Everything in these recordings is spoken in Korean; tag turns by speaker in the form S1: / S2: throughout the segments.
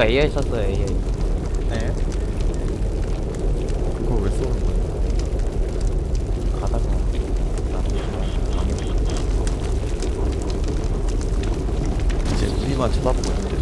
S1: 제가 AI 썼어요. AI.
S2: 네.
S3: 그걸 왜 쏘는 거야?
S1: 가다가
S3: 이제 우리만 쳐다보고 있는데.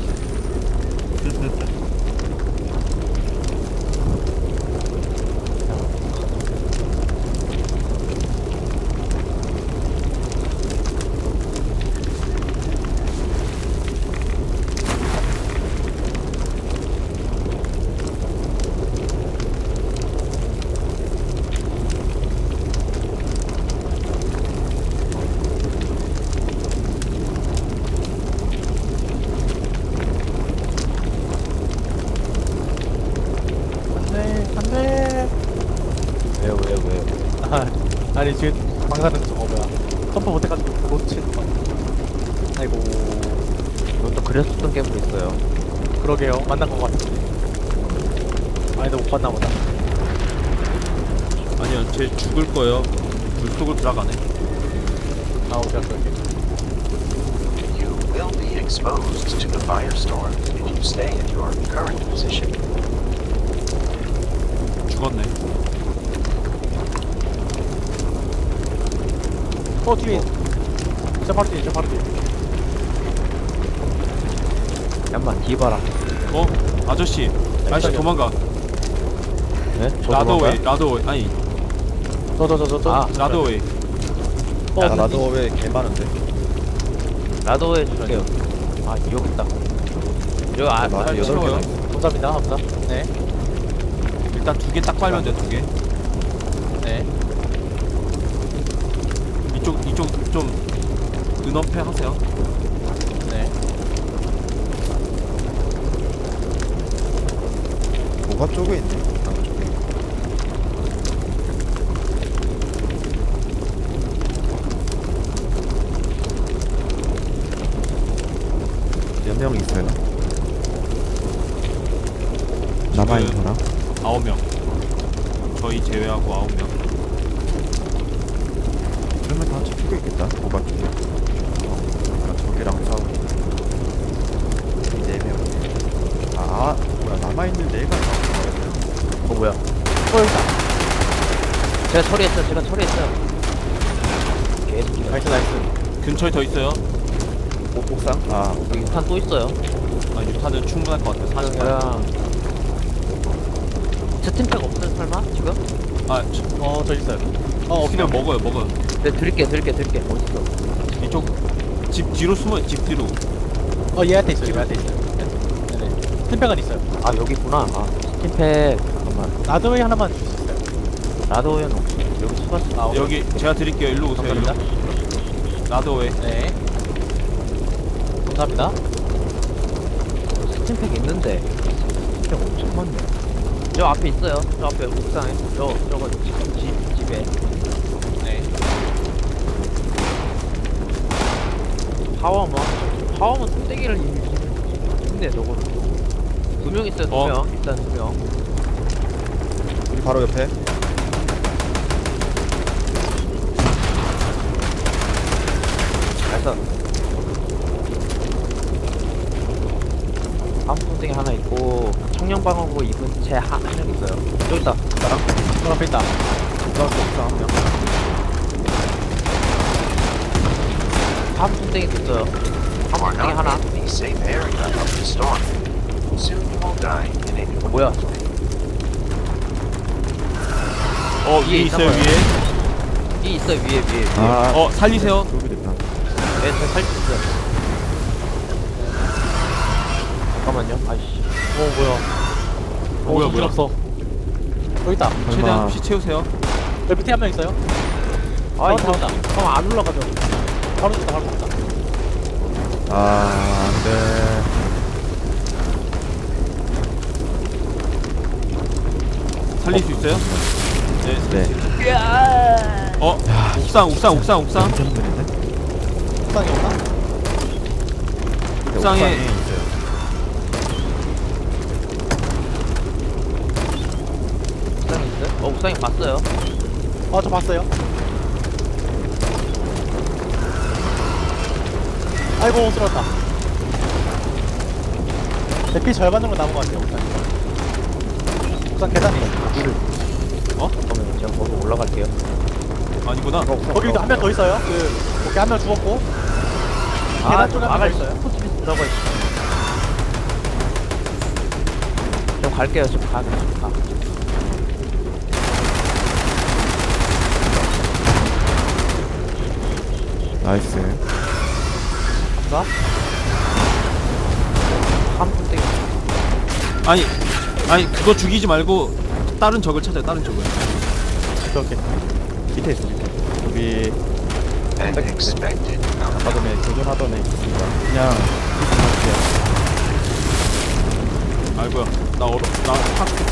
S2: 안돼.
S1: 왜요?
S2: 아니 지금 방사능 저거 뭐야? 점프 못해가지고 놓친 거. 아이고.
S1: 이것도 그렸었던 게임도 있어요.
S2: 그러게요. 만난 거 같은데. 아니 못 봤나 보다.
S4: 아니요, 쟤 죽을 거예요. 물속으로 들어가네.
S2: 아 오케이 오케이.
S5: You will be exposed to the firestorm if you stay in your current position.
S4: 죽었네.
S2: 뒤에. 저 바로 뒤에.
S1: 잠깐만 뒤 봐라.
S4: 아저씨. 아저씨
S2: 깜짝이야.
S4: 도망가.
S1: 네? 저
S4: 라더웨이,
S1: 도망가요?
S4: 라더웨이. 아니,
S2: 저.
S1: 아,
S4: 라더웨이.
S3: 야, 나도 왜 개 많은데?
S1: 라더에 줄게요. 아 여기 있다. 여기
S3: 나도
S4: 빨리
S3: 8개나
S4: 채워요.
S3: 있어.
S2: 감사합니다. 네.
S4: 일단 2개 딱 빨면 돼, 2개.
S2: 네.
S4: 이쪽 좀 은엄패 하세요.
S2: 네.
S3: 뭐가 쪽에 있네? 나무 쪽에. 몇 명 있어요? 남아있는 사람?
S4: 9명. 저희 제외하고 9명.
S3: 그러면 다 저쪽에 있겠다. 뭐가 쪽에. 저기랑 싸우고. 4명. 아, 뭐야, 남아있는 4가
S1: 뭐야?
S2: 있다.
S1: 제가 처리했어요. 계속
S2: 나이스.
S4: 근처에 더 있어요.
S3: 옥상? 아,
S1: 여기 탄 또 있어요.
S4: 아, 6탄은 충분할 것 같아요. 40탄.
S1: 사령이랑 스팀팩 없어요 설마 지금?
S4: 아,
S2: 저 있어요.
S4: 없으면 먹어요.
S1: 네 드릴게. 어딨어?
S4: 이쪽 집 뒤로 숨어요. 집 뒤로.
S2: 얘한테 있어요. 네네. 팀팩은 있어요.
S1: 아 여기 있구나. 아 스팀팩 잠깐만.
S2: 라드웨이 하나만 줄 수 있어요.
S1: 라더웨는 없어. 여기 수가
S4: 여기 제가 드릴게요. 일로 오세요. 일로.
S2: 감사합니다.
S4: 라더웨이.
S2: 네. 감사합니다.
S1: 스팀팩 있는데 스팀팩 엄청 많네. 저 앞에 있어요. 저 앞에 옥상에. 저거 집에.
S2: 네.
S1: 파워먼 뚱땡이를 있네 저거는. 2명 있어요. 2명. 일단 2명.
S3: 우리 바로 옆에.
S1: 그래서 다음 뚱땡이 하나 있고 청년방어구 입은 채 한 명 있어요. 여기 있다. 나랑.
S2: 저 앞에 있다.
S1: 저 옥상 한 명. 다음 뚱땡이도 있어요.
S5: You
S1: 다음
S5: are
S1: 뚱땡이 하나.
S5: not in the safe area of the storm. Soon you will die in a new
S1: 뭐야?
S4: 위에 있어요.
S1: 있나
S4: 위에.
S1: 이 있어요 위에.
S3: 아,
S4: 살리세요.
S3: 여기 됐다.
S1: 네, 제가 살수 있어요. 잠깐만요. 아이씨.
S2: 뭐야.
S4: 뭐야.
S2: 없어. 여기 있다.
S4: 최대한 피 채우세요.
S2: 여기 밑에 한 명 있어요.
S1: 아,
S2: 이거
S1: 이거 잠깐만 안 올라가죠.
S2: 바로 있다.
S3: 아, 안 돼.
S4: 살릴 수 있어요? 네.
S3: 네.
S4: 옥상.
S3: 괜찮은데?
S2: 옥상에 없나?
S4: 옥상에
S3: 있어요.
S1: 옥상에 있어요? 옥상에 봤어요.
S2: 저 봤어요. 아이고, 쓰러졌다. 피 절반 정도 남은 것 같아요 옥상. 옥상 계단에
S1: 그러면 제가 거기 올라갈게요.
S4: 아니구나.
S2: 거기도 한 명 더 있어요. 오케이 한 명 죽었고 계단 쪽에 한 명 더
S1: 막을
S2: 있어요.
S1: 포트비스 들어가 있어. 좀 갈게요. 좀 가.
S3: 나이스.
S2: 가?
S1: 한 푼대기.
S4: 아니 그거 죽이지 말고 다른 적을 찾아요. 다른 적을.
S2: 오케이.
S3: 밑에 있어 밑에. 여기
S5: And expected.
S3: 아까 전에 교전하던 애 있습니다. 그냥
S4: 아이고야. 나 파악했다.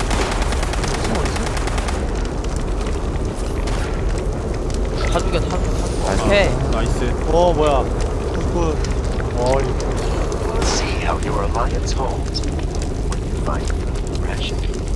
S1: 다 죽여. 오케이.
S4: 나이스.
S2: 뭐야.
S5: See how your alliance holds when you fight for progression.